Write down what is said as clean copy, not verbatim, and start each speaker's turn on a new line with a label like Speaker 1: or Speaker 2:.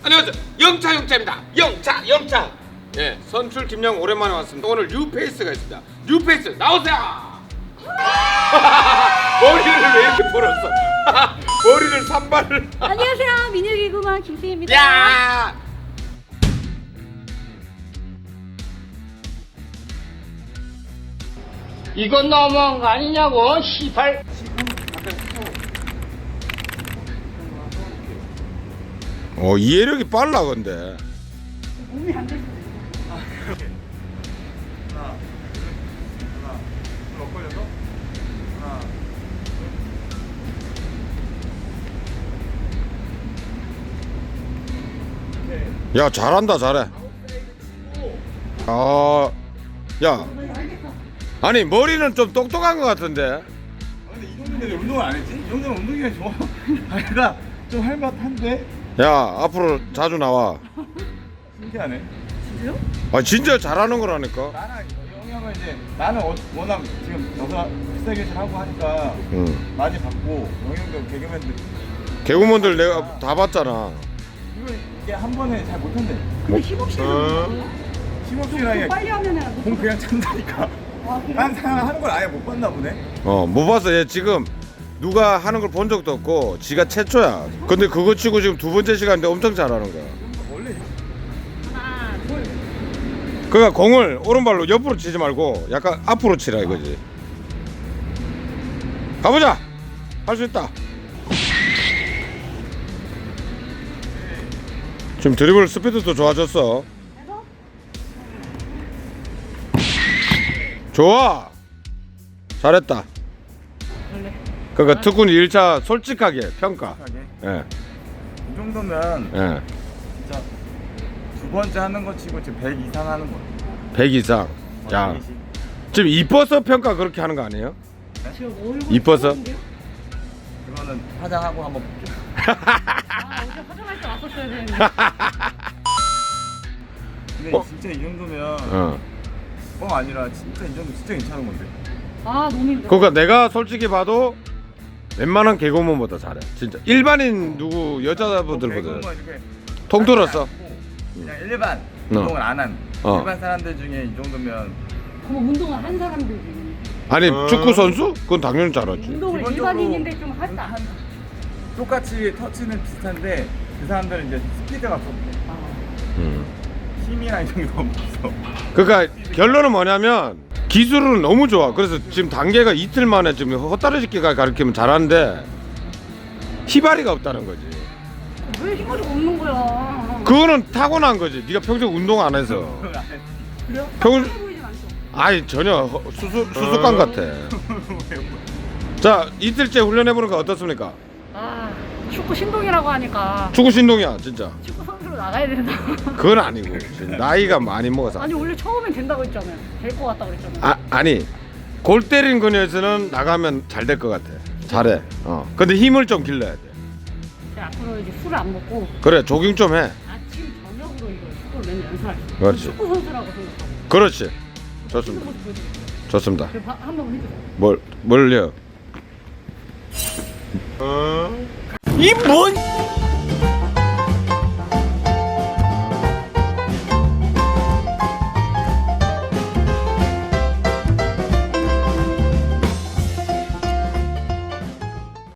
Speaker 1: 안녕하세요. 영차입니다. 영차. 예, 선출 김영 오랜만에 왔습니다. 오늘 뉴페이스가 있습니다. 뉴페이스 나오세요. 머리를 왜 이렇게 벌었어? 머리를 산발을.
Speaker 2: 안녕하세요. 민혁이구만 김수희입니다.
Speaker 1: 야!
Speaker 3: 이건 너무한 거 아니냐고, 시발.
Speaker 1: 이해력이 빨라 근데.
Speaker 2: 몸이 안 됐어.
Speaker 1: 야, 잘한다, 잘해. 야, 아니 머리는 좀 똑똑한 것 같은데.
Speaker 4: 근데 이 정도면 왜 운동을 안 했지? 이 정도면 운동이 좋아. 아니다. 좀 할만한데?
Speaker 1: 야, 앞으로 자주 나와.
Speaker 4: 신기하네.
Speaker 2: 진짜요?
Speaker 1: 아, 진짜 잘하는 거라니까.
Speaker 4: 나는 영향을 이제 나는 워낙 지금 여기서 비싸게 하고 하니까
Speaker 1: 응.
Speaker 4: 많이 받고 영향도 개그맨들
Speaker 1: 개구먼들 내가 다 봤잖아.
Speaker 4: 이게 한 번에 잘 못한대.
Speaker 2: 근데 힙업실은
Speaker 4: 심없이랑
Speaker 2: 빨리 하면은
Speaker 4: 공 그냥 찬다니까. 딴 사람 하는 걸 아예 못 봤나 보네.
Speaker 1: 못 봤어. 얘 지금 누가 하는 걸 본 적도 없고 지가 최초야. 근데 그거 치고 지금 두 번째 시간인데 엄청 잘하는 거야.
Speaker 4: 원래
Speaker 2: 하나 둘.
Speaker 1: 그러니까 공을 오른발로 옆으로 치지 말고 약간 앞으로 치라 이거지. 가보자. 할 수 있다. 지금 드리블 스피드도 좋아졌어. 좋아. 잘했다. 그러니까 특훈 1차 솔직하게 평가. 예.
Speaker 4: 이 정도면
Speaker 1: 예.
Speaker 4: 진짜 두 번째 하는 거 치고 지금 100 이상 하는 거야.
Speaker 1: 100 이상. 야.
Speaker 4: 120.
Speaker 1: 지금 이뻐서 평가 그렇게 하는 거 아니에요?
Speaker 2: 지금 얼굴
Speaker 1: 이뻐서?
Speaker 2: 처음인데요?
Speaker 4: 그거는 화장하고 한번 볼게요.
Speaker 2: 아 어제 화장할 때 왔었어야 되는데.
Speaker 4: 근데 진짜 이 정도면 뻥 아니라 진짜 이 정도 진짜 괜찮은 건데.
Speaker 2: 아 너무 힘들어.
Speaker 1: 그러니까 내가 솔직히 봐도 웬만한 개그맨보다 잘해. 진짜 일반인 누구 여자분들보다
Speaker 4: 개그우먼 이렇게
Speaker 1: 통틀었어.
Speaker 4: 그냥 일반 운동을 안 한 일반 사람들 중에 이 정도면
Speaker 2: 그럼 운동을 한 사람들이
Speaker 1: 아니 축구 선수? 그건 당연히 잘하지.
Speaker 2: 운동을
Speaker 4: 기본적으로
Speaker 2: 일반인인데 좀 했다.
Speaker 4: 똑같이 터치는 비슷한데 그 사람들은 이제 스피드가 없어. 힘이랑 이런 게 너무 없어.
Speaker 1: 그러니까 결론은 뭐냐면 기술은 너무 좋아. 그래서 지금 단계가 이틀 만에 지금 헛다리짓기가 가르치면 잘하는데 희발이가 없다는 거지.
Speaker 2: 왜 힘머리가 없는 거야?
Speaker 1: 그거는 타고난 거지. 네가 평생 운동 안 해서.
Speaker 2: 그래요?
Speaker 1: 평
Speaker 2: 보이진 않죠.
Speaker 1: 아니 전혀 수수깡 같아. 자, 이틀째 훈련해 보니까 어떻습니까?
Speaker 2: 아 축구 신동이라고 하니까
Speaker 1: 축구 신동이야 진짜.
Speaker 2: 축구 선수로 나가야 된다.
Speaker 1: 그건 아니고 지금 나이가 많이 먹어서.
Speaker 2: 아니 원래 처음엔 된다고 했잖아요. 될 것 같다고 그랬잖아요.
Speaker 1: 아니 골 때린 거에서는 나가면 잘 될 것 같아. 잘해. 근데 힘을 좀 길러야 돼.
Speaker 2: 제가 앞으로 이제 술을 안 먹고
Speaker 1: 그래, 조깅 좀 해.
Speaker 2: 아침 저녁으로 이거 축구를 맨날 연습할게요.
Speaker 1: 그렇지.
Speaker 2: 축구 선수라고 생각하고.
Speaker 1: 그렇지. 좋습니다.
Speaker 2: 모습 보여드릴게요.
Speaker 1: 좋습니다.
Speaker 2: 한번 해주세요.
Speaker 1: 뭘요?
Speaker 3: 이 뭔?